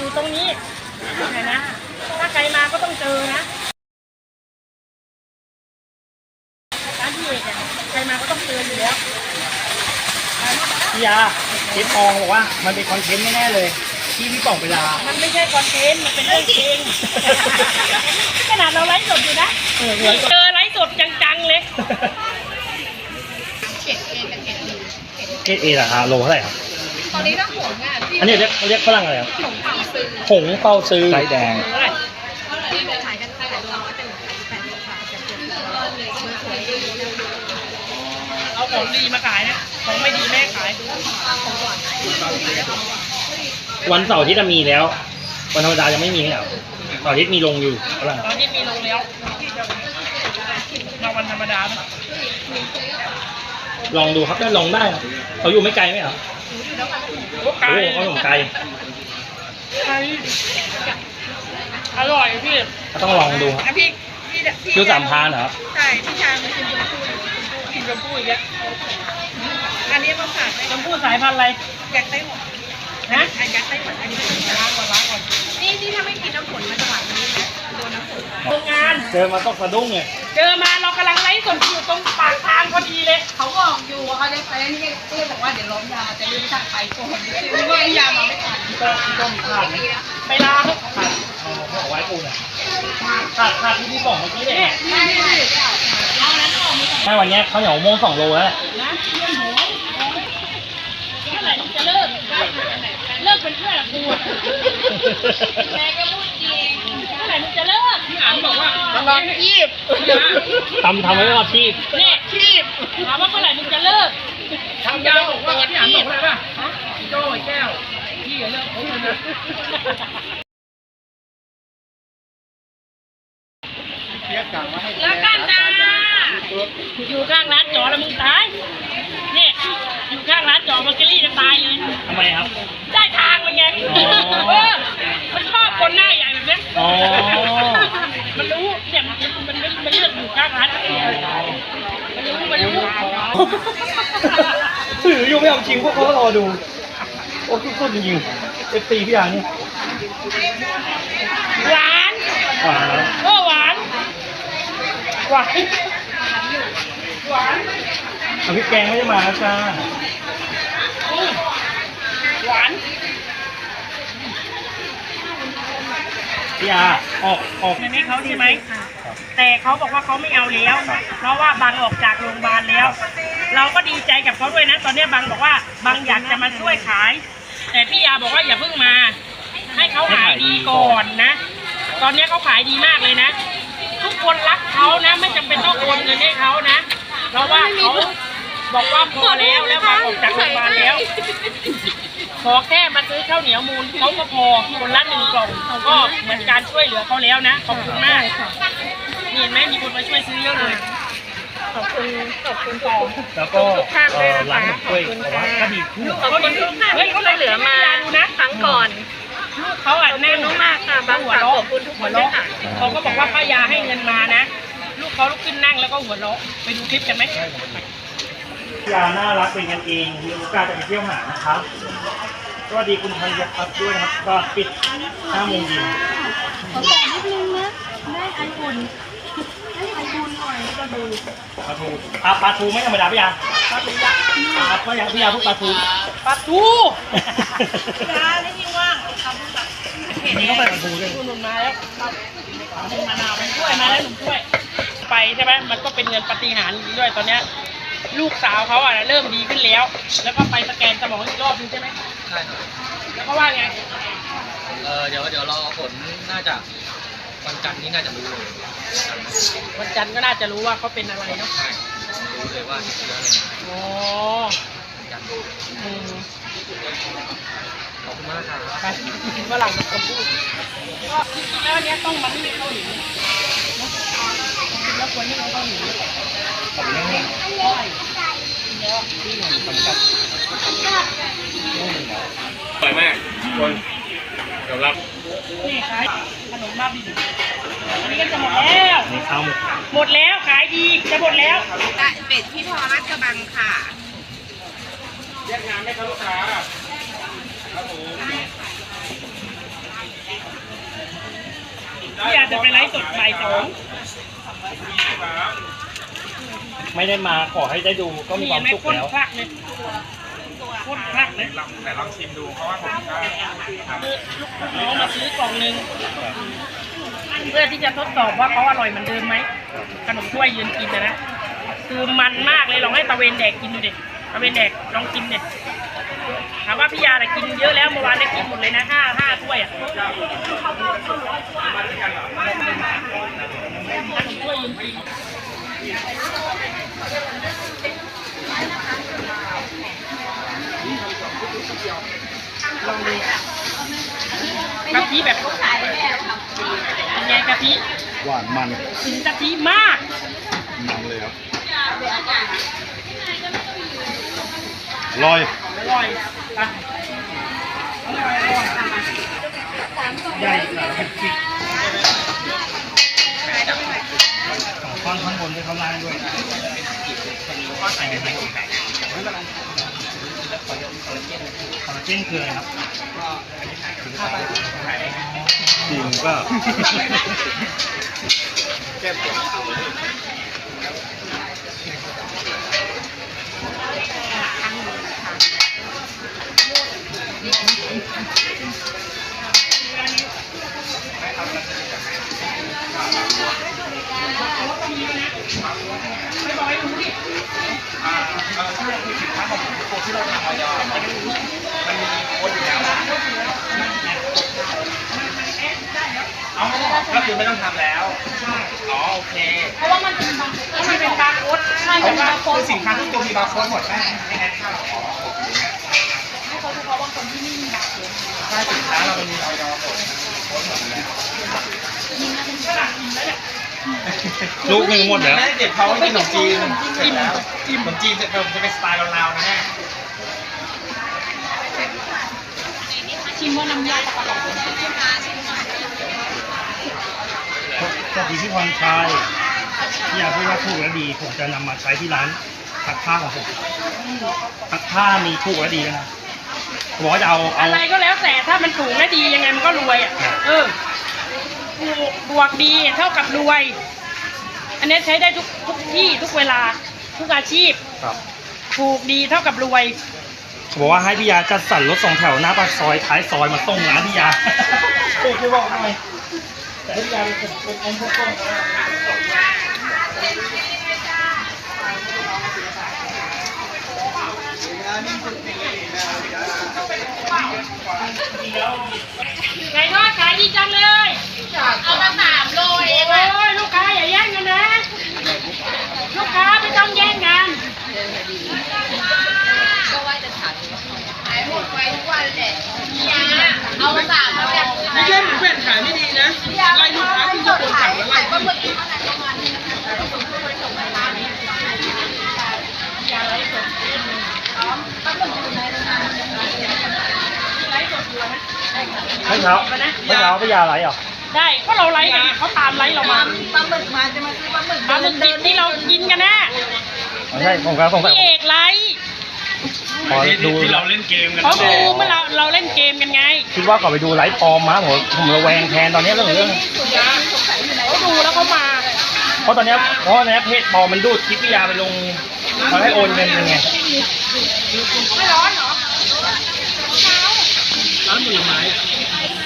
อยู่ตรงนี้นะถ้าใครมาก็ต้องเจอนะร้านพี่เอกเนี่ยใครมาก็ต้องเจออยู่แล้วพี่ยาเชฟปองบอกว่ามันเป็นคอนเทนต์แน่ๆเลยที่พี่ป่องเวลามันไม่ใช่คอนเทนต์มันเป็นเรื่องจริงขนาดเราไลฟ์สดอยู่นะเจอไลฟ์สดจังๆเลยเอเหรอคะโลเท่าไหร่ครับตอนนี้ถ้าหงอ่ะอันนี้เรียกฝรั่งอะไรครับหงเปาซื้อหงเปาซื้อไส้แดงที่ขายกันขายแต่ร้อยเป็น80 บาทจะเก็บเลยสวยเอาของดีมาขายนะของไม่ดีแม่ขายวันเสาร์ที่จะมีแล้ววันธรรมดายังไม่มีเหรอเสาร์อาทิตย์มีลงอยู่ฝรั่งตอนนี้มีลงแล้วมาวันธรรมดาไหมลองดูครับได้ลองได้เขาอยู่ไม่ไกลไหมครับโอ้เขาอยู่ไกลอร่อยพี่เขาต้องลองดูครับพี่ดูสามพานเหรอใช่พี่ชายมันกินชมพู่อีกแล้วอันนี้มาฝากชมพู่สายพันธุ์อะไรอยากไต้หวันนะอยากไต้หวันอันนี้ล้างก่อนนี่ถ้าไม่กินน้ำฝนมันจะหวานนี้นะโดนน้ำฝนโรงงานเจอมาต้องสะดุ้งไงเจอมาเรากำลังไล่สดอยู่ตรงปากทางพอดีเลยเขาบอกอยู่เขาจะไปนี่ที่บอกว่าเดี๋ยวล้มยาจะรีบสั่งไปก่อนไม่ว่ายามาไม่ทันต้มขาดไปลาขาดเอาไว้ปูน่ะขาดที่พี่บอกเมื่อกี้เนี่ยไม่วันนี้เขาเหนียวโมง2 โลแล้วนะเพื่อนหนูเมื่อไหร่จะเลิกเป็นเพื่อนกับกูแม่ก็พูดจริงเมื่อไหร่มึงจะเลิกพี่อ่านบอกว่าลองชีพทำไว้รอชีพเนี่ยชีพถามว่าเมื่อไหร่มึงจะเลิกทำยาวบอกว่าพี่อ่านบอกอะไรป่ะโจ้แก้วพี่เลิกเขาเลยนะแล้วกันจ้าอยู่ข้างร้านจอแล้วมึงตายเนี่ยอยู่ข้างร้านจอมาเกลี่จะตายเลยทำไมครับได้ทางมันไงมันชอบคนหน้าใหญ่แบบนี้มันรู้เนี่ยมันเลือกอยู่ข้างร้านมันรู้ถืออยู่ไม่เอาจริงพวกเขารอดูโอ้สุดๆจริงๆFC พี่ยานี่หวานหวานเอาพริกแกงไม่ได้มาจ้าหวานพี่ยาออกไม่เขาใช่ไหมแต่เขาบอกว่าเขาไม่เอาแล้วเพราะว่าบังออกจากโรงพยาบาลแล้วเราก็ดีใจกับเขาด้วยนะตอนนี้บังบอกว่าบังอยากจะมาช่วยขายแต่พี่ยาบอกว่าอย่าเพิ่งมาให้เขาขายดีก่อนนะตอนนี้เขาขายดีมากเลยนะทุกคนรักเขานะไม่จำเป็นต้องโอนเงินให้เขานะเพราะว่าเขาบอกว่าพอแล้วบังออกจากโรงพยาบาลแล้วขอแค่มาซื้อข้าวเหนียวมูลเขาก็พอคนละ1 กล่องก็เหมือนการช่วยเหลือเขาแล้วนะขอบคุณมากเห็นไหมมีคนมาช่วยซื้อเยอะเลยขอบคุณต่อแล้วก็ร้านกล้วยบอกว่าก็ดีขึ้นเขาเหลือมานะครั้งก่อนเขาแน่นมากค่ะบางหัวเราะขอบคุณทุกคนด้วยค่ะเขาก็บอกว่าป้ายาให้เงินมานะลูกเขาลุกขึ้นนั่งแล้วก็หัวเราะไปดูคลิปกันไหมยาน่ารักเป็นกันเองมีโอกาสจะไปเที่ยวหานะครับสวัสดีคุณธัญพัฒน์ด้วยนะครับก็ปิด5 โมงเย็นขอแต่นิดนึงนะได้ไออุ่นหน่อยก็ดูปลาทูไม่ธรรมดาพี่ยาปลาทูยักษ์พี่ยาพวกปลาทูยาได้ยิ่งว่างนี่ก็ไปปลาทูด้วยหนุนมาแล้วมะนาวไปช่วยมาแล้วหนุนช่วยไปใช่ไหมมันก็เป็นเงินปาฏิหาริย์ด้วยตอนเนี้ยลูกสาวเขาเริ่มดีขึ้นแล้วแล้วก็ไปสแกนสมองอีกรอบนึงใช่ไหมใช่ครับแล้วก็ว่าไงเดี๋ยวรอผลน่าจะวันจันทร์นี้น่าจะรู้เลยวันจันทร์ก็น่าจะรู้ว่าเขาเป็นอะไรเนาะใช่รู้เลยว่าติดเชื้ออะไรอ๋อจันทร์ขอบคุณมากครับไปกินฝรั่งกับพูดก็จริงๆแล้วอันนี้ต้องมันไม่มีข้าวเหนียวแล้วควรที่เราต้องหนีขอบคุณมากสวยมากคนยอมรับนี่ขายขนมบ้าบินอันนี้ก็จะหมดแล้วหมดแล้วขายดีจะหมดแล้วเป็ดที่พอรัดกระบังค่ะแยกน้ำไหมครับลูกค้าครับผมจะไปไลฟ์สดบ่ายไม่ได้มาขอให้ได้ดูก็ 2 มีนี่ความไม่สุขข้นแล้วคลักเลยข้นคลักเลยแต่ลองชิมดูเพราะว่าผมก็ทำคือลูกน้องมาซื้อกล่องนึงเพื่อที่จะทดสอบว่าเขาอร่อยเหมือนเดิมไหมขนมถ้วยยืนกินนะคือมันมากเลยลองให้ตะเวนแดกกินดูดิตะเวนแดกลองกินดิถามว่าพี่ยาแต่กินเยอะแล้วเมื่อวานได้กินหมดเลยนะ5 ถ้วยอ่ะขนมถ้วยยืนกินลองดูกะทิแบบเป็นไงกะทิหวานมันถึงกะทิมากมันเลยครับอร่อยอร่อยอ่ะใหญ่กว่าพริกสองท่อนข้างบนด้วยข้างล่างด้วยคอลลาเจนคืออะไรครับจริงก็ก็คือไม่ต้องทำแล้ว อ๋อโอเคเพราะว่ามันเป็นบางมันเป็นบาร์โค้ดใช่เป็นบางคนคือสินค้าทุกตัวมีบาร์โค้ดหมดแม่ไม่แอดเข้าหรอให้เขาเฉพาะบางคนที่ไม่มีบางคนถ้าสินค้าเรามันมีออยหมดโค้ดหมดแล้วลูกหนึ่งหมดแล้วแม่เก็บเขาไว้กินขนมจีนเสร็จแล้วขนมจีนจะเป็นสไตล์ลาวๆนะแม่ชิมว่าน้ำยาปลาหลอดสวัสดีพี่พรชัยพี่อยากพูดว่าถูกและดี ผมจะนำมาใช้ที่ร้านซักผ้าของผมซักผ้ามีถูกและดีนะบอกว่าจะเอาอะไรก็แล้วแต่ถ้ามันถูกและดียังไงมันก็รวยอ่ะถูกบวกดีเท่ากับรวย อันนี้ใช้ได้ทุกที่ทุกเวลาทุกอาชีพครับถูกดีเท่ากับรวยบอกว่าให้พี่ยาจัดสรรรถสองแถวหน้าปากซอยท้ายซอยมาส่งร้านพี่ยาถูกที่บอกหน่อยแต่พี่ยาเป็นพวกต้นไก่ทอดขายดีจังเลยเอามา3 โลเองโอ้ยลูกค้าอย่าแย่งกันนะ ลูกค้าไม่ต้องแย่งกันก็ว่าจะฉันขายหมดไปทุกวันแหละเอามา3แล้วแบบไม่ใช่หมูแผ่นขายไม่ดีนะไล่ลูกค้าที่จะโดนสั่งแล้วไล่ปลาหมึกเท่าไหร่ประมาณนี้นะคะส่งไปร้านนี้อย่าไล่สดปลาหมึกอยู่ในโรงงานไล่สดอยู่นะเมื่อเช้าพี่ยาอะไรอ่ะได้ก็เราไล่กันเขาตามไล่เรามาปลาหมึกมาจะมาซื้อปลาหมึกปลาหมึกดิบที่เรากินกันนะใช่ผมครับพี่เอกไล่ขอดูที่เราเล่นเกมกันเขาดูเมื่อเราเล่นเกมกันไงคิดว่าขอไปดูไลฟ์ปลอมมาผมระแวงแทนตอนนี้เรื่องเขาดูแล้วเขามาเพราะตอนนี้เพจปลอมมันดูดคลิปพี่ยาไปลงเขาให้โอนเงินยังไงไม่ร้อนเหรอร้านผลไม้